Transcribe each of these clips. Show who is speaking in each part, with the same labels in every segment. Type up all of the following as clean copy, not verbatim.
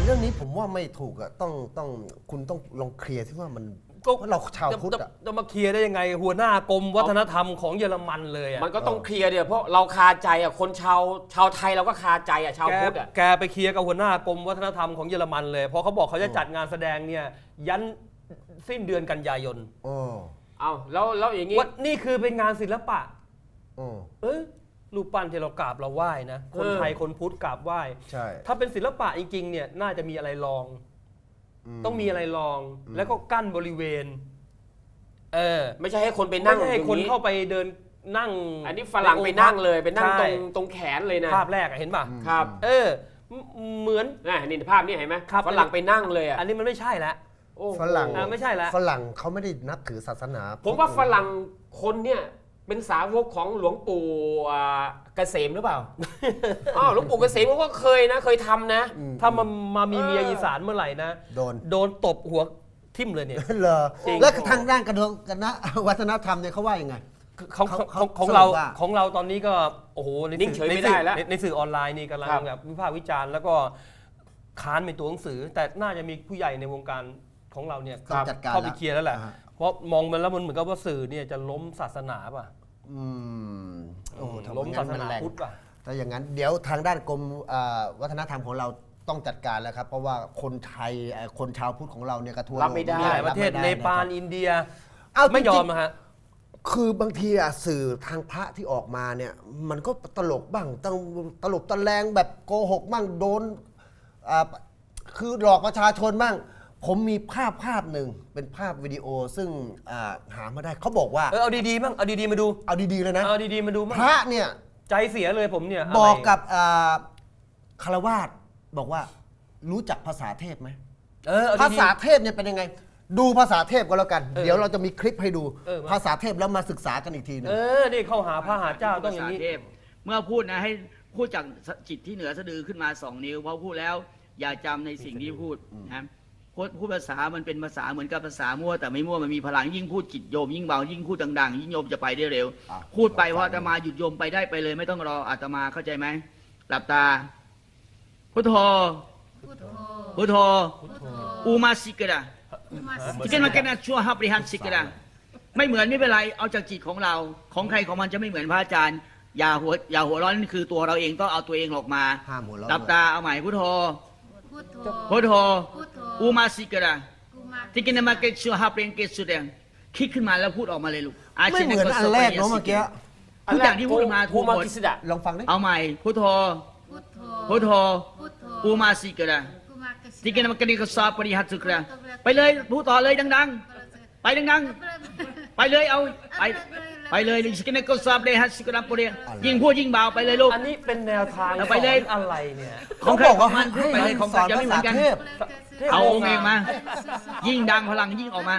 Speaker 1: เรื่องนี้ผมว่าไม่ถูกอะต้องคุณต้องลองเคลียร์ที่ว่ามัน
Speaker 2: ก็
Speaker 1: เราชาวพุทธอะ
Speaker 2: จะมาเคลียร์ได้ยังไงหัวหน้ากรมวัฒนธรรมของเยอรมันเลยอะ
Speaker 3: มันก็ต้องเคลียร์เดี๋ยวเพราะเราคาใจอ่ะคนชาวไทยเราก็คาใจอ่ะชาวพุทธอ่ะ
Speaker 2: แกไปเคลียร์กับหัวหน้ากรมวัฒนธรรมของเยอรมันเลยเพราะเขาบอกเขาจะจัดงานแสดงเนี่ยยันสิ้นเดือนกันยายน
Speaker 3: เอาแล้วอย่างงี้
Speaker 2: ว่านี่คือเป็นงานศิลปะ
Speaker 1: เออ
Speaker 2: รูปปั้นที่เรากราบเราไหว้นะคนไทยคนพุทธกราบไหว้
Speaker 1: ใช่
Speaker 2: ถ้าเป็นศิลปะจริงๆเนี่ยน่าจะมีอะไรรอง ต้องมีอะไรรองแล้วก็กั้นบริเวณ
Speaker 3: ไม่ใช่ให้คนไปนั่ง
Speaker 2: ไม่ใช่ให้คนเข้าไปเดินนั่ง
Speaker 3: อันนี้ฝรั่งไปนั่งเลยไปนั่ง
Speaker 2: ใช่
Speaker 3: ตรงแขนเลยนะ
Speaker 2: ภาพแรกอะเห็นป่ะ
Speaker 3: ครับ
Speaker 2: เหมือน
Speaker 3: นี่ภาพนี้เห็นไหม
Speaker 2: ครับ
Speaker 3: ฝรั่งไปนั่งเลยอ่ะ
Speaker 2: อันนี้มันไม่ใช่แล้ว
Speaker 3: โอ้โห
Speaker 1: ฝรั่ง
Speaker 2: ไม่ใช่แล้ว
Speaker 1: ฝรั่งเขาไม่ได้นับถือศาสนา
Speaker 3: ผมว่าฝรั่งคนเนี่ยเป็นสาวกของหลวงปู่เกษมหรือเปล่า อ้าวหลวงปู่เกษมเขาก็เคยทำนะ
Speaker 2: ถ้ามามีเมียอีสานเมื่อไหร่นะ โดนตบหัวทิ่มเลยเนี่ย
Speaker 1: เหรอ
Speaker 2: จริง
Speaker 1: แล้วทางด้านคณะวัฒนธรรมเนี่ยเขาว่ายังไง
Speaker 2: ของเรา
Speaker 1: สรุปว่า
Speaker 2: ของเราตอนนี้ก็โอ้โห
Speaker 3: นิ่งเฉยไม่ได้แล้ว
Speaker 2: ในสื่อออนไลน์นี่กำลัง
Speaker 3: ครับ
Speaker 2: แบบวิพากษ์วิจารณ์แล้วก็ค้านเป็นตัวหนังสือ แต่น่าจะมีผู้ใหญ่ในวงการของเราเนี่ย
Speaker 1: ต้องจัดการ
Speaker 2: เข้าไปเคลียร์แล้วแหละ
Speaker 1: อ่าฮะ
Speaker 2: เพราะมองมันแล้วมันเหมือนกับว่าสื่อเนี่ยจะล้มศาสนาป่ะ
Speaker 1: โอ้โหทำไ
Speaker 2: ล้มศาส
Speaker 1: งั้
Speaker 2: นา
Speaker 1: แรง
Speaker 2: พุทธป่ะ
Speaker 1: ถ้าอย่างนั้นเดี๋ยวทางด้านกรมวัฒนธรรมของเราต้องจัดการแล้วครับ เพราะว่าคนไทยคนชาวพุทธของเราเนี่ยกระท้ว
Speaker 3: รับไม่ได้
Speaker 2: มีหลายประเทศ
Speaker 1: บไม่
Speaker 2: เน
Speaker 1: ได้
Speaker 2: ปาล
Speaker 1: ะครับ
Speaker 2: อินเดีย
Speaker 1: เา
Speaker 2: ไม่ยอม
Speaker 1: จริงๆ
Speaker 2: นะฮะ
Speaker 1: คือบางทีอะสื่อทางพระที่ออกมาเนี่ยมันก็ตลกบ้างต้องตลบตะแลงแบบโกหกบ้างโดนคือหลอกประชาชนบ้าง ผมมีภาพหนึ่งเป็นภาพวิดีโอซึ่งหามาได้เขาบอกว่า
Speaker 2: เอาดีๆมั่งเอาดีๆมาดู
Speaker 1: เอาดีๆเลยนะ
Speaker 2: เอาดีๆมาดูมั่ง
Speaker 1: พระเนี่ย
Speaker 2: ใจเสียเลยผมเนี่ย
Speaker 1: บอก
Speaker 2: ะไร
Speaker 1: กับคารวาสบอกว่ารู้จักภาษาเทพไหม
Speaker 2: เอา
Speaker 1: ภา
Speaker 2: ดี
Speaker 1: ษาเทพเนี่ยเป็นยังไง ดูภาษาเทพก็แล้วกัน เดี๋ยวเราจะมีคลิปให้ดู
Speaker 2: มา
Speaker 1: ภาษาเทพแล้วมาศึกษากันอีกทีหนึง
Speaker 2: นี่เข้าหาพระหาเจ้าต้องอย่างนี้
Speaker 4: ภษเทพเมื่อพูดนะให้พูดจากจิตที่เหนือสะดือขึ้นมา2 นิ้วพอพูดแล้วอย่าจำในสิ่งที่พูดนะพูดภาษามันเป็นภาษาเหมือนกับภาษามั่วแต่ไม่มั่วมันมีพลังยิ่งพูดจิตโยมยิ่งเบายิ่งพูดดังๆยิ่งโยมจะไปได้เร็ว พูดไปพออาตมาหยุดโยมไปได้ไปเลยไม่ต้องรออาตมาเข้าใจไหมหลับตาพุทโธพุทโธอูมาสิกระที่กันมาแค่นั้นชั่วฮับริฮันสิกระไม่เหมือนไม่เป็นไรเอาจากจิตของเราของใครของมันจะไม่เหมือนพระอาจารย์อย่าหัวร้อนนี่คือตัวเราเองต้องเอาตัวเองออกมา
Speaker 1: ห้ามหัวเราะ
Speaker 4: หลับตาเอาใหม่พุทโธ
Speaker 5: พุทโธ
Speaker 4: พุทโธ
Speaker 5: พุทโธ
Speaker 4: อูมาสิกระ
Speaker 5: กุมา
Speaker 4: ที่กินมาเกตชัวฮับเรนเกตสุดแดงคิดขึ้นมาแล้วพูดออกมาเลยลูก
Speaker 1: ไม่เหมือนอันแรกเนาะเมื่อกี้
Speaker 4: ทุกอย่างที่พูดมา
Speaker 3: ภู
Speaker 4: ถูกห
Speaker 3: มาม
Speaker 4: ด
Speaker 3: กิสดะ
Speaker 1: ลองฟังดิ
Speaker 4: เอาใหม่พุทโธ
Speaker 5: พุทโธ
Speaker 4: พุทโธ
Speaker 5: พุทโธ
Speaker 4: อูมาสิกระ
Speaker 5: กุมากสิ
Speaker 4: ที่กินมาเกตกสอบปริหัตสุกระไปเลยพูดต่อเลยดังๆ ไปดังๆ ไปเลยเอาไปเลยสิกินก็สอบเลยฮัตสุกระปุเรียยิ่งพูดยิ่งเบาไปเลยลูก
Speaker 2: อันนี้เป็นแนวทาง
Speaker 4: เอาไปเลย
Speaker 2: สอนอะไรเนี่ย
Speaker 4: ของใครของมันพูดไปเลยของ
Speaker 1: ส
Speaker 4: ใคร
Speaker 1: อน
Speaker 4: จะไม่
Speaker 1: ภา
Speaker 4: เหมื
Speaker 1: ษา
Speaker 4: อนกัน
Speaker 1: เทพ
Speaker 4: เอาองค์เองมา ยิ่งดังพลังยิ่งออกมา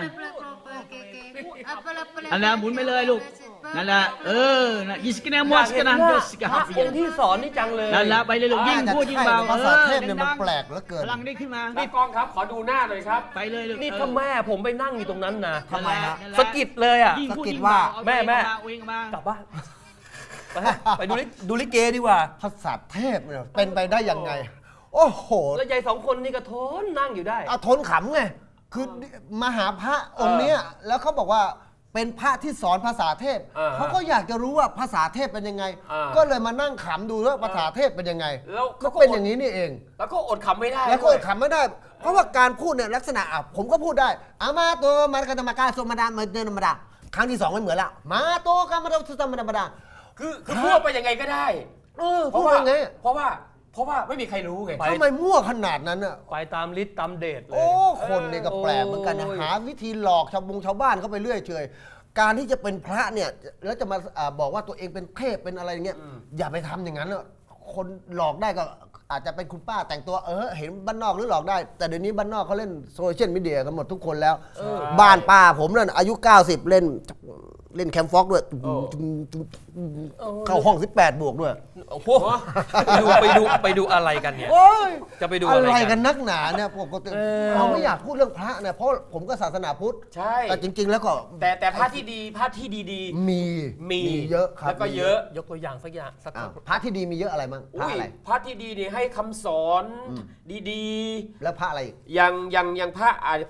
Speaker 4: อันนั้นหมุนไปเลยลูกนั่นแหละนะยิสกินมัวสกันนะ
Speaker 2: อยาก
Speaker 4: ย
Speaker 2: เห็
Speaker 4: ส
Speaker 2: น
Speaker 4: กัน
Speaker 2: พ
Speaker 4: ฮั
Speaker 2: ระ
Speaker 4: บ
Speaker 2: องค์ที่สอนนี่จังเลย
Speaker 4: นั่นแหละไปเลยลูกยิ่งพูดยิ่งเบา
Speaker 1: ภาษาเทพเนี่ยมันแปลกเหลือเกิน
Speaker 4: พลังได้ขึ้นมา
Speaker 3: นี่กล้องครับขอดูหน้าหน่อยครับ
Speaker 4: ไปเลยลูก
Speaker 2: นี่ถ้าแม่ผมไปนั่งอยู่ตรงนั้นนะ
Speaker 1: ทำไมฮะ
Speaker 2: สะกิดเลยอ่ะ
Speaker 4: ยิ่งพูดยิ่ง
Speaker 1: ว่า
Speaker 4: เบา
Speaker 2: แม่
Speaker 4: เอาเองมาก
Speaker 2: ลับบ้านไปดูลิเกดีกว่า
Speaker 1: ภาษาเทพเนี่ยเป็นไปได้ยังไง โอ้โห
Speaker 2: แล้วยาย2 คนนี่ก็ทนนั่งอยู่ได้
Speaker 1: เอาทนขำไง คือมาหาพระองค์เนี้ยแล้วเขาบอกว่าเป็นพระที่สอนภาษาเทพ เขาก็อยากจะรู้ว่าภาษาเทพเป็นยังไง ก็เลยมานั่งขำดูว่าภาษาเทพเป็นยังไง
Speaker 3: แล้ว
Speaker 1: ก็เป็นอย่างนี้นี่เอง
Speaker 3: แล้วก็อดขำไม่ได้
Speaker 1: แล้วก็
Speaker 3: ด้วย
Speaker 1: ขำไม่ได้ เพราะว่าการพูดเนี่ยลักษณะผมก็พูดได้อามาโตมากรรมการสมดาเดินธรรมดาครั้งที่2ไม่เหมือนละมาโตกรรมดาสุธรรมดา
Speaker 3: คือพูดไปยังไงก็ได้
Speaker 1: พูดยังไง
Speaker 3: เพราะว่าไม่มีใครรู้ไง
Speaker 2: ไป
Speaker 1: ทำไมมั่วขนาดนั้นอ่ะ
Speaker 2: ไปตามฤทธิ์ตามเดชเลย
Speaker 1: โอ้คนนี่ก็แปลกเหมือนกันนะหาวิธีหลอกชาวบ้านเข้าไปเรื่อยเฉยการที่จะเป็นพระเนี่ยแล้วจะมาบอกว่าตัวเองเป็นเทพเป็นอะไรเงี้ยอย่าไปทำอย่างนั้นอะคนหลอกได้ก็อาจจะเป็นคุณป้าแต่งตัวเห็นบ้านนอกหรือหลอกได้ แต่เดี๋ยวนี้บ้านนอกเขาเล่นโซเชียลมีเดียกันหมดทุกคนแล้วบ้านป้าผมนั่นอายุ90เล่นเล่นแคมฟ็อกด้วย
Speaker 3: โอ้
Speaker 1: เข้าห้อง18บวกด้วย
Speaker 2: โอ้โหไปดูอะไรกันเนี่ย
Speaker 1: โอ้ย
Speaker 2: จะไปดู
Speaker 1: อะ
Speaker 2: อะไร
Speaker 1: ไร
Speaker 2: กั
Speaker 1: กัน นนักหนาเนี่ยปกติ เราไม่อยากพูดเรื่องพระเนี่ยเพราะผมก็ศาสนาพุทธ
Speaker 3: ใช่
Speaker 1: แต่จริง ๆ แล้วก็
Speaker 3: แต่พระที่ดีพระที่ดี
Speaker 1: มี
Speaker 3: มี
Speaker 1: เยอะครับ
Speaker 3: แล้วก็เยอะ
Speaker 2: ยกตัวอย่างสักอย่างสัก
Speaker 1: อ้าวพระที่ดีมีเยอะอะไรบ้างพระ
Speaker 3: อุ้ย
Speaker 1: อะไร
Speaker 3: พระที่ดีนี่ให้คำสอนดี
Speaker 1: แล้วพระอะไรอีก
Speaker 3: ๆอย่างพระ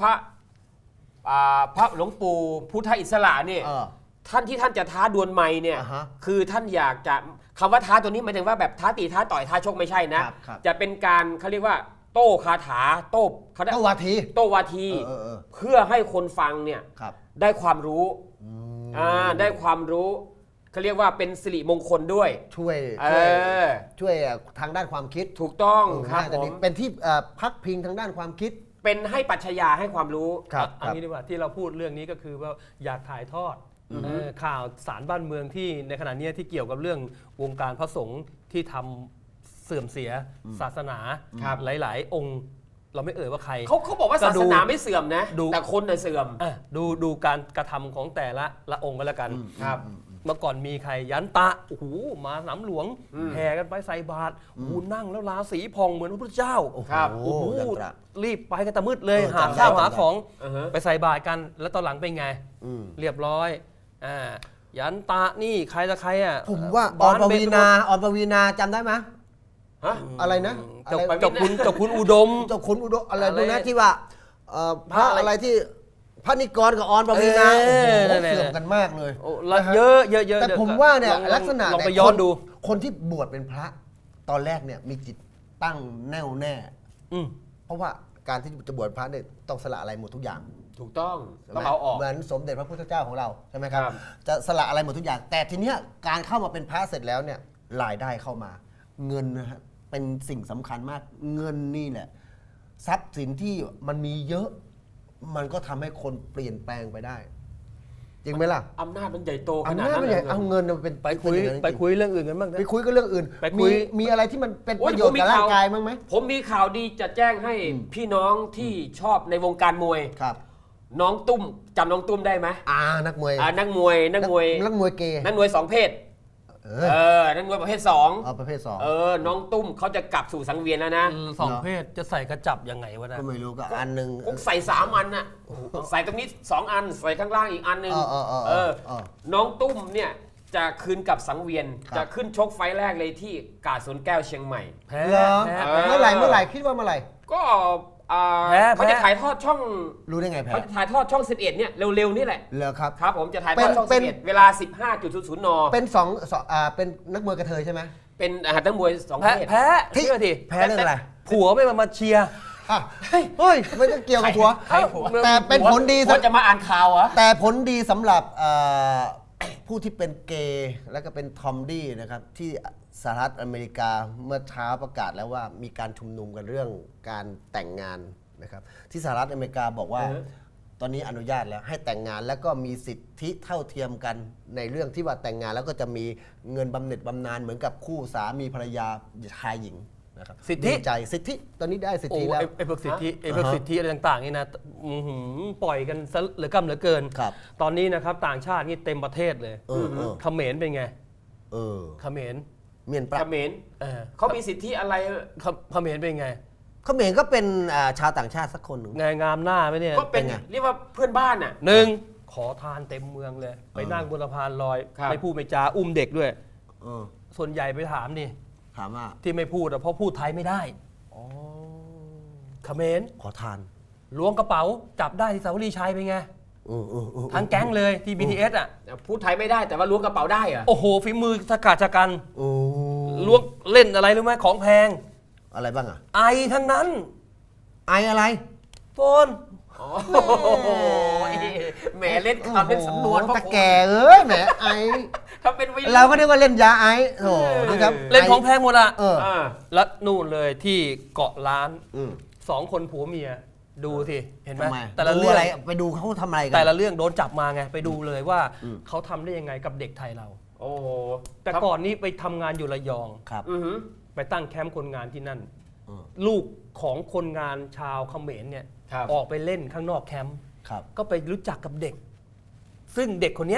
Speaker 3: พระหลวงปู่พุทธอิสระเนี่ย
Speaker 1: เออ
Speaker 3: ท่านที่ท่านจะท้าดวลไม้เนี่ย
Speaker 1: อ่าฮะ
Speaker 3: คือท่านอยากจะคำว่าท้าตัวนี้หมายถึงว่าแบบท้าตีท้าต่อยท้าชกไม่ใช่นะ
Speaker 1: ครับ
Speaker 3: จะเป็นการเขาเรียกว่า โต้คาถาโต้เขาเรียก
Speaker 1: เต้าวาที
Speaker 3: โต้วาที
Speaker 1: เออ
Speaker 3: เพื่อให้คนฟังเนี่ย
Speaker 1: ครับ
Speaker 3: ได้ความรู้ได้ความรู้เขาเรียกว่าเป็นสิริมงคลด้วย
Speaker 1: ช่วย
Speaker 3: เอ
Speaker 1: ช่วย
Speaker 3: อ
Speaker 1: ทางด้านความคิด
Speaker 3: ถูกต้องครับ
Speaker 1: น่า
Speaker 3: ผ
Speaker 1: จะดี
Speaker 3: ม
Speaker 1: เป็นที่พักพิงทางด้านความคิด
Speaker 3: เป็นให้ปรัชญาให้ความรู้
Speaker 1: ครับ
Speaker 2: อันนี้ดีกว่าที่เราพูดเรื่องนี้ก็คือว่าอยากถ่ายทอดข่าวสารบ้านเมืองที่ในขณะนี้ที่เกี่ยวกับเรื่องวงการพระสงฆ์ที่ทำเสื่อมเสียศาสนา
Speaker 3: ครับ
Speaker 2: หลาย ๆ องค์ เราไม่เอ่ยว่าใคร
Speaker 3: เขาบอกว่า
Speaker 2: ก็
Speaker 3: ศา
Speaker 2: ดู
Speaker 3: สนาไม่เสื่อมนะ
Speaker 2: ดู
Speaker 3: แต่คนน่ะเสื่อม
Speaker 2: ดูการกระทำของแต่ละองค์ก็แล้วกัน
Speaker 3: ครับ
Speaker 2: เมื่อก่อนมีใครยันตะโอ้โหมาสนามหลวงแห่กันไปใส่บาตรโอ้โหนั่งแล้วราศีพองเหมือนพระพุทธเจ้า
Speaker 3: ครับ
Speaker 1: โอ้โห
Speaker 2: โอ้โห
Speaker 1: ยันตระ
Speaker 2: รีบไปกันแต่มืดเลย
Speaker 1: เออ
Speaker 2: หา
Speaker 1: จำได้
Speaker 2: ข้าวหา
Speaker 1: จำได้
Speaker 2: ของ
Speaker 3: อือฮะ
Speaker 2: ไปใส่บาตรกัน แล้วตอนหลังเป็นไง
Speaker 1: อืม
Speaker 2: เรียบร้อยยันตะนี่ใครจะใครอ่ะ
Speaker 1: ผมว่าอ
Speaker 2: บ้
Speaker 1: อนป
Speaker 2: เบ
Speaker 1: วี
Speaker 2: ญ
Speaker 1: นาออนปวีนาจำได้ไหม
Speaker 3: ฮะ
Speaker 1: อะไรนะ
Speaker 2: เจ้า
Speaker 1: อะไร
Speaker 2: เจ้าคุณอุดม
Speaker 1: เจ้าคุณอุดมอะไร
Speaker 2: อะไร
Speaker 1: ดูนะที่ว่าพระอะไรที่พระนิกรกับออนปวีนา
Speaker 2: เออ
Speaker 1: โอ้โห
Speaker 2: นั่นๆ
Speaker 1: เสื่อมกันมากเลย
Speaker 2: โอ้ละเยอะเยอะเยอะ
Speaker 1: แต่ผมว่าเนี่ย
Speaker 2: ลอง
Speaker 1: ลักษณะ
Speaker 2: ลองไป
Speaker 1: เ
Speaker 2: ย้อนดู
Speaker 1: คนที่บวชเป็นพระตอนแรกเนี่ยมีจิตตั้งแน่วแน่
Speaker 2: อืม
Speaker 1: เพราะว่าการที่จะบวชพระเนี่ยต้องสละอะไรหมดทุกอย่าง
Speaker 3: ถูกต้อง
Speaker 1: ใช่ไห
Speaker 3: ต้
Speaker 1: ม
Speaker 3: องเอาออก
Speaker 1: เหมือนสมเด็จพระพุทธเจ้าของเราใช่ไหมครับ
Speaker 3: ครับ
Speaker 1: จะสละอะไรหมดทุกอย่าง แต่ทีเนี้ยการเข้ามาเป็นพระเสร็จแล้วเนี่ยรายได้เข้ามา เงินนะฮะเป็นสิ่งสำคัญมากเงินนี่แหละทรัพย์สินที่มันมีเยอะ มันก็ทำให้คนเปลี่ยนแปลงไปได้ จริงไหมล่ะ
Speaker 3: อำนาจมันใหญ่โตข
Speaker 1: อัน
Speaker 3: นาด
Speaker 1: นั้น
Speaker 3: นั้น
Speaker 1: ไม่
Speaker 3: เล
Speaker 1: ใช่
Speaker 3: ย
Speaker 1: เอาเงินมาเป็น
Speaker 2: ไปคุย
Speaker 1: เป็นอางนั้น
Speaker 2: ไป
Speaker 1: จริง
Speaker 2: คุยเรื่องอื่นกันบ้างนะ
Speaker 1: ไปคุยก็เรื่องอื่น
Speaker 2: ไปคุย
Speaker 1: มีอะไรที่มันเป็น
Speaker 3: โอ้
Speaker 1: ป
Speaker 3: ย
Speaker 1: ระโยชน์กับร่างกายมั้างไหม
Speaker 3: ผมมีข่าวดีจะแจ้งให้พี่น้องที่ชอบในวงการมวย
Speaker 1: ครับ
Speaker 3: น้องตุ้มจำน้องตุ้มได้ไหม
Speaker 1: นักมวย
Speaker 3: นักมวย
Speaker 1: นักมวยเกย์
Speaker 3: นักมวยสองเพศ
Speaker 1: เอ
Speaker 3: นักมวยประเภทสอง
Speaker 1: เอาประเภทสอง
Speaker 3: น้องตุ้มเขาจะกลับสู่สังเวียนแล้วนะ
Speaker 2: สองเพศจะใส่กระจับยังไงวะนะ
Speaker 1: ก็ไม่รู้ก็อันหนึ่ง
Speaker 3: คุกใส่3 อันน่ะใส่ตรงนี้2 อันใส่ข้างล่างอีกอันหนึ่ง
Speaker 1: เออ
Speaker 3: น้องตุ้มเนี่ยจะคืนกับสังเวียน
Speaker 1: ครับ
Speaker 3: จะขึ้นชกไฟล์แรกเลยที่กาดสวนแก้วเชียงใหม่
Speaker 2: แพ้
Speaker 1: เหรอ
Speaker 2: แพ้
Speaker 3: เออ
Speaker 1: เมื่อไหร่คิดว่าเมื่อไหร่
Speaker 3: ก็
Speaker 2: แพ้
Speaker 3: เขาจะถ่ายทอดช่อง
Speaker 1: รู้ได้ไงแพ้
Speaker 3: เขาจะถ่ายทอดช่อง 11เนี่ยเร็วๆนี่แหละ
Speaker 1: เหรอครับ
Speaker 3: ครับผมจะถ่ายทอดช่อง
Speaker 1: เป็น
Speaker 3: 11เวลา 15.00 น
Speaker 1: เป็นเป็นนักมวยกระเทยใช่ไหม
Speaker 3: เป็นนักมวย2
Speaker 2: แพ้
Speaker 3: เพศ
Speaker 2: แพ้เชื่อที
Speaker 1: แพ้เรื่องอะไร
Speaker 2: ผัวไม่มาเชียร์
Speaker 1: อ่ะเฮ้ยไม่ต้องเกี่ยวกับผัว
Speaker 3: ใครผัว
Speaker 1: แต่เป็นผลดี
Speaker 3: ผัวจะมาอ่านข่าวเหรอ
Speaker 1: แต่ผลดีสำหรับผู้ที่เป็นเกย์และก็เป็นทอมดี้นะครับที่สหรัฐอเมริกาเมื่อเช้าประกาศแล้วว่ามีการชุมนุมกันเรื่องการแต่งงานนะครับที่สหรัฐอเมริกาบอกว่า
Speaker 3: อือฮะ
Speaker 1: ตอนนี้อนุญาตแล้วให้แต่งงานแล้วก็มีสิทธิเท่าเทียมกันในเรื่องที่ว่าแต่งงานแล้วก็จะมีเงินบำเหน็จบำนาญเหมือนกับคู่สามีภรรยาชายหญิงนะครับ
Speaker 2: สิทธิ
Speaker 1: ดีใจสิทธิตอนนี้ได้สิท
Speaker 2: โอ้
Speaker 1: ธิแล้ว
Speaker 2: ไอ้พวกสิทธิไอ้พวกสิทธิอะไรต่างๆนี่นะปล่อยกันซะเหลือกำเหลือเกิน
Speaker 1: ครับ
Speaker 2: ตอนนี้นะครับต่างชาตินี่เต็มประเทศเลย
Speaker 1: เออ
Speaker 2: เขมรเป็นไง
Speaker 1: เออ
Speaker 2: เขมร
Speaker 1: เมียนปลา
Speaker 3: เขมร
Speaker 2: เออ
Speaker 3: เขามีสิทธิอะไร
Speaker 2: เขมรเป็นไง
Speaker 1: เขมรก็เป็นชาวต่างชาติสักคนหนึ่ง
Speaker 2: ไงงามหน้าไหมเนี่ย
Speaker 3: ก็เป็น
Speaker 1: เป็นไง
Speaker 3: เรียกว่าเพื่อนบ้านน่ะ
Speaker 2: หนึ่งขอทานเต็มเมืองเลย ไปนั่งบนสะพานลอย
Speaker 3: ครับ
Speaker 2: ไม่พูดไม่จาอุ้มเด็กด้วย
Speaker 1: เออ
Speaker 2: ส่วนใหญ่ไปถามนี่
Speaker 1: ถามว่า
Speaker 2: ที่ไม่พูดอะเพราะพูดไทยไม่ได้เขมร
Speaker 1: ขอทาน
Speaker 2: ล้วงกระเป๋าจับได้ที่สาวรีชัยเป็นไง
Speaker 1: เออ
Speaker 2: ทั้งแก๊งเลยที่ BTS อ่ะ
Speaker 3: พูดไทยไม่ได้แต่ว่าล้วงกระเป๋าได้เหรอ
Speaker 2: โอ้โหฝีมือสกัดชะกัน
Speaker 1: โอ้
Speaker 2: ล้วงเล่นอะไรรู้ไหมของแพง
Speaker 1: อะไรบ้างอ่ะ
Speaker 2: ไอทั้งนั้น
Speaker 1: ไออะไร
Speaker 2: โฟน
Speaker 3: โอ้โหแหมเล่นคำเล่นสำนวน
Speaker 1: โอ้โหตะแก่เอ้ยแหมไอ
Speaker 3: ถ้าเป็นวัยรุ่น
Speaker 1: เราก็เรียกว่าเล่นยาไอโถนะครับ
Speaker 2: เล่นของแพงหมดอ่ะ
Speaker 1: เออ
Speaker 2: แล้วนู่นเลยที่เกาะล้าน
Speaker 1: อืม
Speaker 2: 2 คนผัวเมียดูสิเห็นไหม
Speaker 1: ทำไม
Speaker 2: แต่ละ
Speaker 1: ดู
Speaker 2: เรื่อง
Speaker 1: อะไรไปดูเขาทำอะไรกั
Speaker 2: แต่ละเรื่องโดนจับมาไงไปดูเลยว่า
Speaker 1: อืม
Speaker 2: เขาทำได้ยังไงกับเด็กไทยเรา
Speaker 3: โอ้โห
Speaker 2: แต่ก่อนนี้ไปทำงานอยู่ระยอง
Speaker 1: ครับ
Speaker 3: อือหือ
Speaker 2: ไปตั้งแคมป์คนงานที่นั่น
Speaker 1: อืม
Speaker 2: ลูกของคนงานชาวเขมรเนี่ย
Speaker 3: ครับ
Speaker 2: ออกไปเล่นข้างนอกแคมป์
Speaker 1: ครับ
Speaker 2: ก็ไปรู้จักกับเด็ก ซึ่งเด็กคนเนี้ย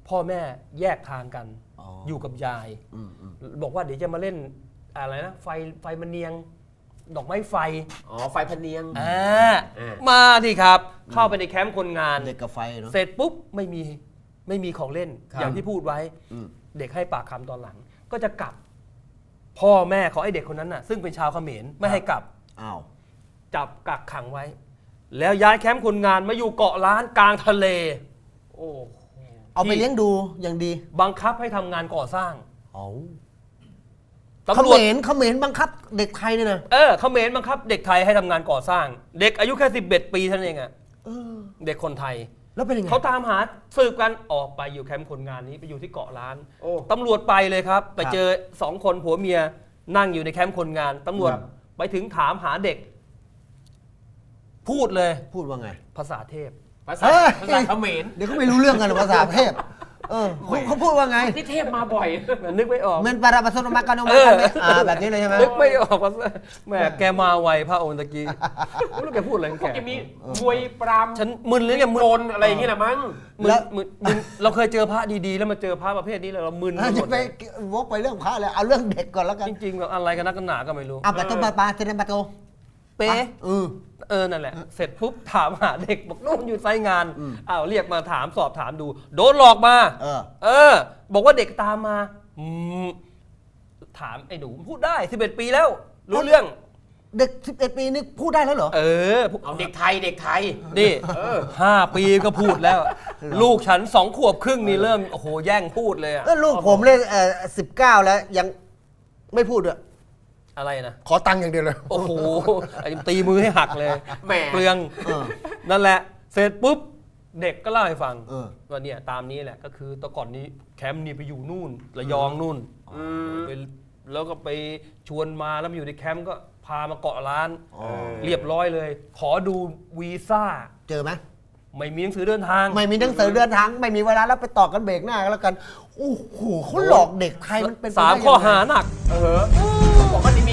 Speaker 2: พ่อแม่แยกทางกัน
Speaker 1: อ๋อ
Speaker 2: อ
Speaker 1: อยู่
Speaker 2: กับยาย
Speaker 1: อืมอืม
Speaker 2: บอกว่าเดี๋ยวจะมาเล่นอะไรนะไฟมันเนียง ดอกไม้ไฟ
Speaker 3: อ๋อไฟพะเนียง
Speaker 2: มาที่ครับ เข้าไปในแคมป์คนงาน
Speaker 1: เด็กกับไฟเนาะ
Speaker 2: เสร็จปุ๊บไม่มีของเล่น
Speaker 1: ครับ
Speaker 2: อย่างที่พูดไว้
Speaker 1: อืม
Speaker 2: เด็กให้ปากคำตอนหลัง ก็จะกลับ พ่อแม่ของไอ้เด็กคนนั้นน่ะ ซึ่งเป็นชาวเขมรไม่ให้กลับ
Speaker 1: อ้าว
Speaker 2: จับกักขังไว้ แล้วย้ายแคมป์คนงานมาอยู่เกาะล้านกลางทะเล
Speaker 3: โอ้โห
Speaker 1: เอาไปเลี้ยงดูอย่างดี
Speaker 2: บังคับให้ทำงานก่อสร้าง
Speaker 1: เอา
Speaker 2: ตำ
Speaker 1: เข
Speaker 2: รวจ
Speaker 1: มรบังคับเด็กไทยเนี่ยนะ
Speaker 2: เขมรบังคับเด็กไทยให้ทำงานก่อสร้าง เด็กอายุแค่11 ปีเท่านั้นเองอะ
Speaker 1: เออ
Speaker 2: เด็กคนไทย
Speaker 1: แล้วเป็นยังไง
Speaker 2: เขาตามหาสืบกันออกไปอยู่แคมป์คนงานนี้ไปอยู่ที่เกาะล้าน
Speaker 3: โอ้
Speaker 2: ตำรวจไปเลยครับ ไปเจอ2 คนผัวเมียนั่งอยู่ในแคมป์คนงานตำรวจ
Speaker 1: ครับ
Speaker 2: ไปถึงถามหาเด็ก พูดเลย
Speaker 1: พูดว่าไง
Speaker 2: ภาษาเทพ
Speaker 3: ภาษา
Speaker 1: เฮ้ย
Speaker 3: ภาษาเขมร
Speaker 1: เดี๋ยวเขาไม่รู้เรื่องกันภาษาเทพเขาพูดว่าไง
Speaker 3: ที่เทพมาบ่อย
Speaker 2: นึกไม่ออก
Speaker 1: เมนปาราปัสโนมากานโมแบบนี้เลยใช่ไหม
Speaker 2: นึกไม่ออกว่าแหมแกมาไวพระองค์ตะกี้ไม่รู้แกพูดอะไรของ
Speaker 3: พว
Speaker 2: แก
Speaker 3: กจะมีมวยปราม
Speaker 2: ฉันมึนเลยเนี่ยมึ
Speaker 3: โก
Speaker 2: น
Speaker 3: นอะไรอย่างเงี้ยแหละมั้ง
Speaker 2: มึนเราเคยเจอพระดีๆ แล้วมาเจอพระประเภทนี้แล้วเรามึนหม
Speaker 1: จะ
Speaker 2: ด
Speaker 1: ไป
Speaker 2: เลย
Speaker 1: วกไปเรื่องพระเลยเอาเรื่องเด็กก่อนแล้วกัน
Speaker 2: จริงๆแบบอะไรกันนักกันหนาก็ไม่รู้
Speaker 1: อ่ะปาโตปาเทนปาโต
Speaker 2: เป๊ะ
Speaker 1: เออ
Speaker 2: นั่นแหละ เสร็จปุ๊บถามหาเด็กบอกนู่นอยู่ไซต์งาน
Speaker 1: อืม
Speaker 2: อ้าวเรียกมาถามสอบถามดู โดนหลอกมา
Speaker 1: เออ
Speaker 2: บอกว่าเด็กตามมาถามไอ้หนูพูดได้11 ปีแล้ว รู้เรื่อง
Speaker 1: เด็ก11 ปีนี่พูดได้แล้วเหรอ
Speaker 3: เอาเด็กไทยเด็กไทย
Speaker 2: นี่5 ปีก็พูดแล้ว ลูกฉัน2 ขวบครึ่งนี่เริ่มโอ้โหแย่งพูดเลยอะ
Speaker 1: แล้วลูกผมเลย19 แล้วยังไม่พูดด้วย
Speaker 2: อะไรนะ
Speaker 1: ขอตังค์อย่างเดียวเลย
Speaker 2: โอ้โหไอ้ตีมือให้หักเลย
Speaker 3: แหม
Speaker 2: เปลือง
Speaker 1: เออ
Speaker 2: นั่นแหละ เสร็จปุ๊บ เด็กก็เล่าให้ฟัง
Speaker 1: เออ
Speaker 2: ว่าเนี่ยตามนี้แหละก็คือแต่ก่อนนี้แคมป์นี่ไปอยู่นู่นระยองนู่นไปแล้วก็ไปชวนมาแล้วมาอยู่ในแคมป์ก็พามาเกาะร้าน เรียบร้อยเลย ขอดูวีซ่า
Speaker 1: เจอไหม
Speaker 2: ไม่มีหนังสือเดินทาง
Speaker 1: ไม่มีหนังสือเดินทางไม่มีเวลาแล้วไปต่อกันเบรกหน้ากันแล้วกันโอ้โหเขาหลอกเด็กไทยมันเป็นไปได้
Speaker 2: 3
Speaker 1: ยังไง
Speaker 2: ข้อหาหนัก
Speaker 3: บอกว่าเ